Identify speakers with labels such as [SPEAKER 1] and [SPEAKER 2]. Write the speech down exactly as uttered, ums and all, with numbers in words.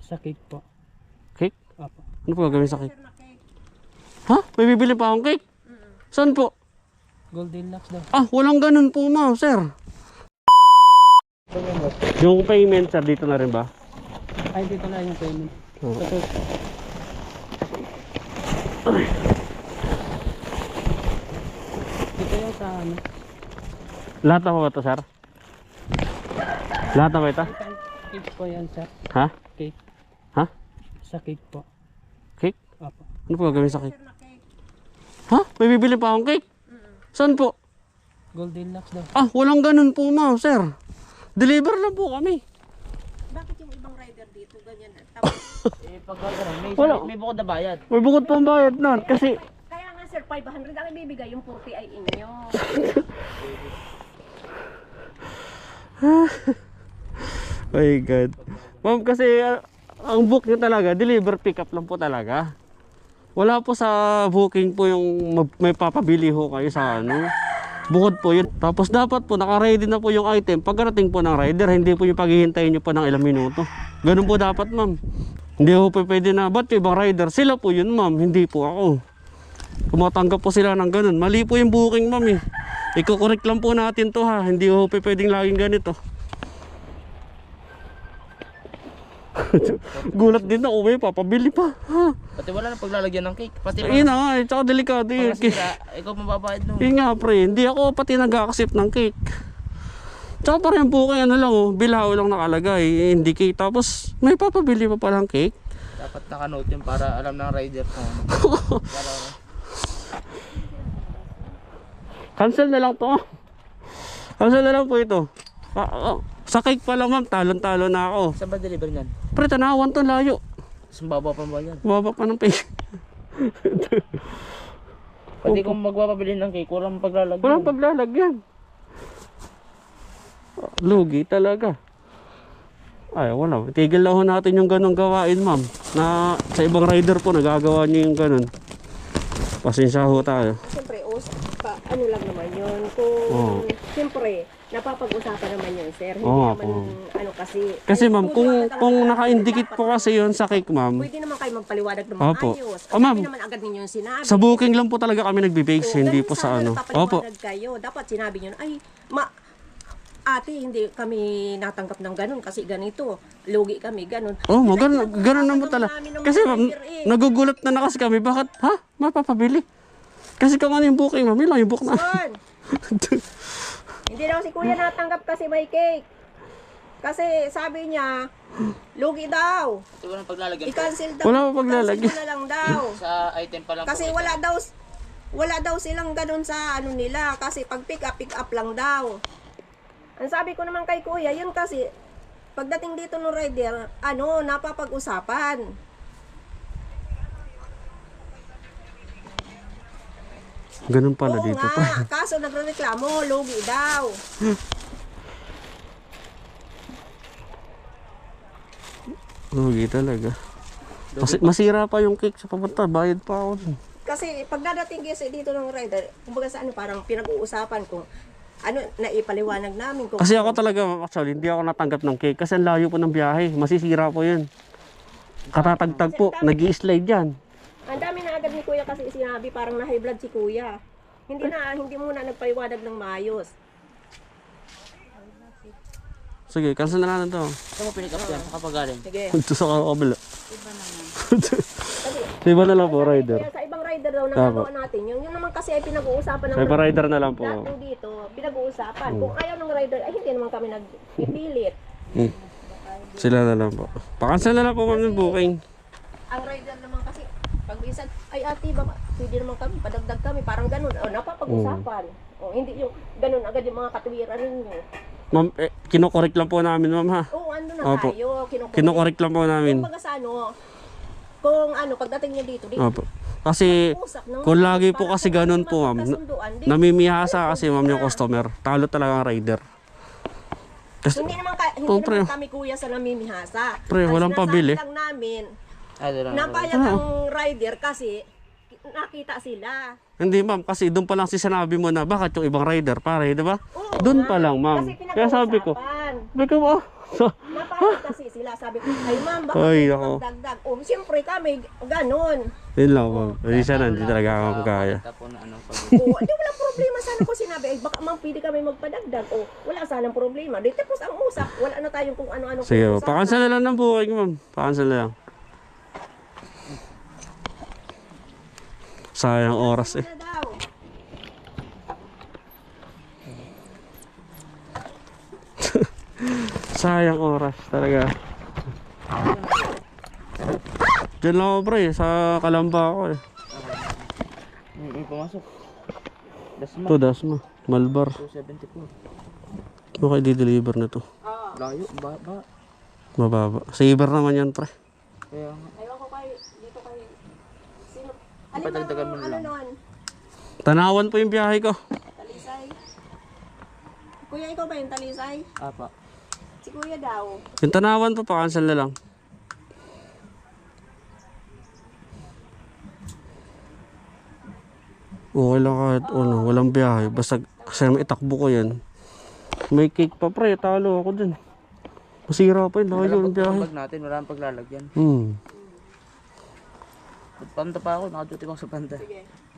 [SPEAKER 1] Sa cake po.
[SPEAKER 2] Cake?
[SPEAKER 1] Apo.
[SPEAKER 2] Ano po gagawin sa cake? Ha? May bibili pa akong cake? Saan po?
[SPEAKER 1] Goldilocks daw.
[SPEAKER 2] Ah, walang ganun po ma'am, sir. Yung payment, sir, dito na rin ba?
[SPEAKER 1] Ay, dito na yung payment.
[SPEAKER 2] Oo.
[SPEAKER 1] Ito. Dito yung sa ano.
[SPEAKER 2] Lahat na po ba ito, sir? Lahat na ba ito?
[SPEAKER 1] Cake po yan, sir.
[SPEAKER 2] Ha?
[SPEAKER 1] Cake.
[SPEAKER 2] Ha?
[SPEAKER 1] Sa cake po.
[SPEAKER 2] Cake?
[SPEAKER 1] Apo.
[SPEAKER 2] Ano po gagawin sa cake? Ha? May bibili pa akong cake? Saan po?
[SPEAKER 1] Goldilocks daw.
[SPEAKER 2] Ah, walang ganun po ma'am, sir. Deliver lang po kami.
[SPEAKER 3] Bakit yung ibang rider dito ganyan na? Tapos,
[SPEAKER 4] Eh, pag gano'n, may,
[SPEAKER 2] Wala.
[SPEAKER 4] may bukod na bayad.
[SPEAKER 2] May bukod pang bayad nun kasi...
[SPEAKER 3] kaya nga sir, five hundred ang ibibigay, yung forty ay inyo.
[SPEAKER 2] My God. Ma'am, kasi uh, ang book nyo talaga, deliver pick up lang po talaga. Wala po sa booking po yung mag- may papabili ho kayo sa ano. Bukod po yun. Tapos dapat po naka-ready na po yung item. Pagkarating po ng rider, hindi po yung paghihintayin nyo po ng ilang minuto. Ganun po dapat ma'am. Hindi po pwede na, ba't yung ibang rider? Sila po yun ma'am, hindi po ako. Tumatanggap po sila ng ganun. Mali po yung booking ma'am eh. Iko-correct lang po natin to ha. Hindi po pwedeng laging ganito. Gulat din na, uwi, papabili pa. Ha?
[SPEAKER 4] Pati wala na paglalagyan ng cake. Pati
[SPEAKER 2] Ayun na nga, eh, tsaka delikado
[SPEAKER 4] mga
[SPEAKER 2] yun.
[SPEAKER 4] sira, ikaw mababayad no.
[SPEAKER 2] Yun nga pre, hindi ako pati nag-accept ng cake. Tsaka parang yung booking ano lang oh, bilao lang nakalagay, eh, hindi cake. Tapos may papabili pa palang cake.
[SPEAKER 4] Dapat naka-note yun para alam ng rider kung ano. Para,
[SPEAKER 2] Cancel na lang to. Cancel na lang po ito. Ah, ah, sa cake pa lang ma'am, talon-talo na ako.
[SPEAKER 4] saan ba deliver niyan?
[SPEAKER 2] Pre, tanawan to layo.
[SPEAKER 4] Sumbabaw pa ba yan?
[SPEAKER 2] Baba pa ng page.
[SPEAKER 4] Pati kung magpapabili ng cake, walang paglalagyan.
[SPEAKER 2] Walang paglalagyan. Lugi talaga. Ay, wala. Tigil na ho natin yung ganong gawain, ma'am. Na sa ibang rider po, nagagawa niyo yung ganon. Pasensya ho tayo.
[SPEAKER 3] Siyempre, os, pa, ano lang naman yun. Kung,
[SPEAKER 2] Oo.
[SPEAKER 3] siyempre, napapag-usapan naman yun, sir. Hindi
[SPEAKER 2] Oo,
[SPEAKER 3] naman,
[SPEAKER 2] oo.
[SPEAKER 3] ano kasi.
[SPEAKER 2] Kasi
[SPEAKER 3] ay,
[SPEAKER 2] ma'am,
[SPEAKER 3] studio
[SPEAKER 2] kung,
[SPEAKER 3] agad ang
[SPEAKER 2] kung
[SPEAKER 3] sinabi,
[SPEAKER 2] naka-indicate
[SPEAKER 3] dapat
[SPEAKER 2] po kasi yon sa cake, ma'am.
[SPEAKER 3] Pwede naman kayo magpaliwanag ng
[SPEAKER 2] Opo.
[SPEAKER 3] maayos.
[SPEAKER 2] Oh, ma'am.
[SPEAKER 3] Hindi naman agad ninyo yung sinabi.
[SPEAKER 2] Sa booking lang po talaga kami nagbe-base,
[SPEAKER 3] Oo,
[SPEAKER 2] hindi
[SPEAKER 3] ganun
[SPEAKER 2] po sa
[SPEAKER 3] sana,
[SPEAKER 2] ano.
[SPEAKER 3] napapaliwanag
[SPEAKER 2] Opo.
[SPEAKER 3] kayo. Dapat sinabi nyo, ay, ma, ate, hindi kami natanggap ng ganun kasi ganito. Lugi kami, ganun.
[SPEAKER 2] Oh, mo
[SPEAKER 3] Kasi
[SPEAKER 2] ganun, ganun naman
[SPEAKER 3] pinag-uusapan
[SPEAKER 2] talaga.
[SPEAKER 3] namin ng
[SPEAKER 2] Kasi
[SPEAKER 3] mga
[SPEAKER 2] ma'am,
[SPEAKER 3] rider eh.
[SPEAKER 2] nagugulat na na kasi kami. Bakit? Ha? Mapapabili? Kasi kung ano yung booking, ma'am, yun lang yung book na.
[SPEAKER 3] Son, hindi daw si kuya natanggap kasi may cake. Kasi sabi niya, lugi daw.
[SPEAKER 4] Pati walang paglalagyan.
[SPEAKER 3] I-cancel daw.
[SPEAKER 2] Wala pa paglalagyan.
[SPEAKER 3] I-cancel mo na lang daw.
[SPEAKER 4] Sa item pa lang.
[SPEAKER 3] Kasi
[SPEAKER 4] po
[SPEAKER 3] wala
[SPEAKER 4] ito.
[SPEAKER 3] daw wala daw silang ganun sa ano nila kasi pag pick up pick up lang daw. Ang sabi ko naman kay kuya, yun kasi pagdating dito ng rider, ano, napapag-usapan.
[SPEAKER 2] Ganun pala
[SPEAKER 3] Oo
[SPEAKER 2] dito
[SPEAKER 3] nga,
[SPEAKER 2] pa.
[SPEAKER 3] kaso nagrereklamo, lugi daw.
[SPEAKER 2] Lugi talaga. Kasi masira pa yung cake sa papunta, bayad pa ako dun.
[SPEAKER 3] Kasi pag dadating kasi dito ng rider, kumbaga sa ano, parang pinag-uusapan kung ano, naipaliwanag namin. Kung
[SPEAKER 2] Kasi ako talaga, actually, hindi ako natanggap ng cake kasi ang layo po ng biyahe. Masisira po yun. Katatagtag po, nag-i-slide yan.
[SPEAKER 3] ang dami na agad ni kuya kasi sinabi, parang na high blood si kuya. Hindi na, hindi muna nagpaliwanag ng maayos.
[SPEAKER 2] Sige, cancel na lang ito.
[SPEAKER 4] Saan mo pinick up yan? Kapag galing?
[SPEAKER 3] Sige.
[SPEAKER 2] Ito sa kabila.
[SPEAKER 3] Kasi,
[SPEAKER 2] Iba na lang po, rider.
[SPEAKER 3] kaya sa ibang rider daw nagagawa natin yun. Yun naman kasi ay pinag-uusapan ng
[SPEAKER 2] Sa iba rider na lang po.
[SPEAKER 3] lahat ng dito, pinag-uusapan. Kung ayaw ng rider, ay hindi naman kami nag-ipilit.
[SPEAKER 2] Hmm. Sila na lang po. Pa-cancel na lang po ma'am yung booking.
[SPEAKER 3] Ang rider naman kasi, pag minsan, ay ate, baka pwede naman kami, padagdag kami, parang ganun. O, napapag-usapan. O, hindi yung ganun agad yung mga katuwiran ninyo.
[SPEAKER 2] Ma'am, eh, kinokorek lang po namin ma'am ha.
[SPEAKER 3] Oo, ano na
[SPEAKER 2] Opo.
[SPEAKER 3] tayo, kinukulit.
[SPEAKER 2] Kinokorek lang po namin.
[SPEAKER 3] Kumbaga sa ano, kung ano, pagdating nyo dito, dito,
[SPEAKER 2] Opo. Kasi
[SPEAKER 3] usap ng
[SPEAKER 2] kung lagi po
[SPEAKER 3] para
[SPEAKER 2] kasi
[SPEAKER 3] kung
[SPEAKER 2] ganun
[SPEAKER 3] ano
[SPEAKER 2] po ma'am, na-
[SPEAKER 3] magkasunduan, di-
[SPEAKER 2] namimihasa kasi ma'am yung customer. Talo talaga ang rider. Kasi,
[SPEAKER 3] Hindi naman, ka, hindi
[SPEAKER 2] Oh, pre.
[SPEAKER 3] naman kami kuya sa namimihasa.
[SPEAKER 2] Pre,
[SPEAKER 3] Ang
[SPEAKER 2] walang
[SPEAKER 3] sinasabi
[SPEAKER 2] pabili.
[SPEAKER 3] lang namin,
[SPEAKER 4] Ay, doon lang.
[SPEAKER 3] napayag ang rider kasi nakita sila.
[SPEAKER 2] hindi ma'am, kasi doon pa lang si sinabi mo na bakit yung ibang rider pare, di ba?
[SPEAKER 3] Oo
[SPEAKER 2] Doon
[SPEAKER 3] nga.
[SPEAKER 2] pa lang ma'am.
[SPEAKER 3] Kasi
[SPEAKER 2] Kaya sabi ko,
[SPEAKER 3] pinag-uusapan.
[SPEAKER 2] sabi ko, oh, So,
[SPEAKER 3] Napagod kasi sila. Sabi ko, ay ma'am, baka
[SPEAKER 2] Ay,
[SPEAKER 3] pwede
[SPEAKER 2] ako.
[SPEAKER 3] magdagdag. O, siyempre kami, ganon.
[SPEAKER 2] yun lang ma'am. Hindi siya hindi talaga ako kaya.
[SPEAKER 4] Tapos na ano, pag
[SPEAKER 3] O, hindi wala problema. Sana ko sinabi, ay baka ma'am, pwede kami magpadagdag. O, wala sanang problema. Di tapos ang usap, wala na tayong kung ano-ano.
[SPEAKER 2] Sige,
[SPEAKER 3] usapan.
[SPEAKER 2] pakansel na lang ng booking ma'am. Pakansel na lang. Sayang oras eh.
[SPEAKER 3] Ano daw?
[SPEAKER 2] Sayang oras talaga. Diyan lang ako pre, sa Kalamba ako eh.
[SPEAKER 4] may, may pumasok. Dasma,
[SPEAKER 2] Ito, Dasma. Malbar.
[SPEAKER 4] two seventy-four.
[SPEAKER 2] Ano kayo di-deliver na to?
[SPEAKER 4] Layo, ba, ba.
[SPEAKER 2] Mababa. Saver naman yan pre.
[SPEAKER 4] Kaya nga.
[SPEAKER 3] Ayaw ko kay, dito kay, sino? Alin
[SPEAKER 4] Padagdagan mo
[SPEAKER 3] bang,
[SPEAKER 4] na
[SPEAKER 3] ano
[SPEAKER 4] lang.
[SPEAKER 3] nun?
[SPEAKER 2] Tanawan po yung biyahe ko.
[SPEAKER 3] Talisay? Kuya, ikaw ba yung talisay?
[SPEAKER 4] Apa.
[SPEAKER 3] Si kuya daw.
[SPEAKER 2] Yung Tanawan po, pakansel na lang. Okay lang kahit ano, walang biyahe. Basta kasi itakbo ko yan. May cake pa pre, talo ako dun. Masira pa yun, layo yung biyahe.
[SPEAKER 4] Pag natin, wala nang paglalagyan.
[SPEAKER 2] Hmm.
[SPEAKER 4] Panta pa ako, nakaduty ko sa panta.
[SPEAKER 3] Sige.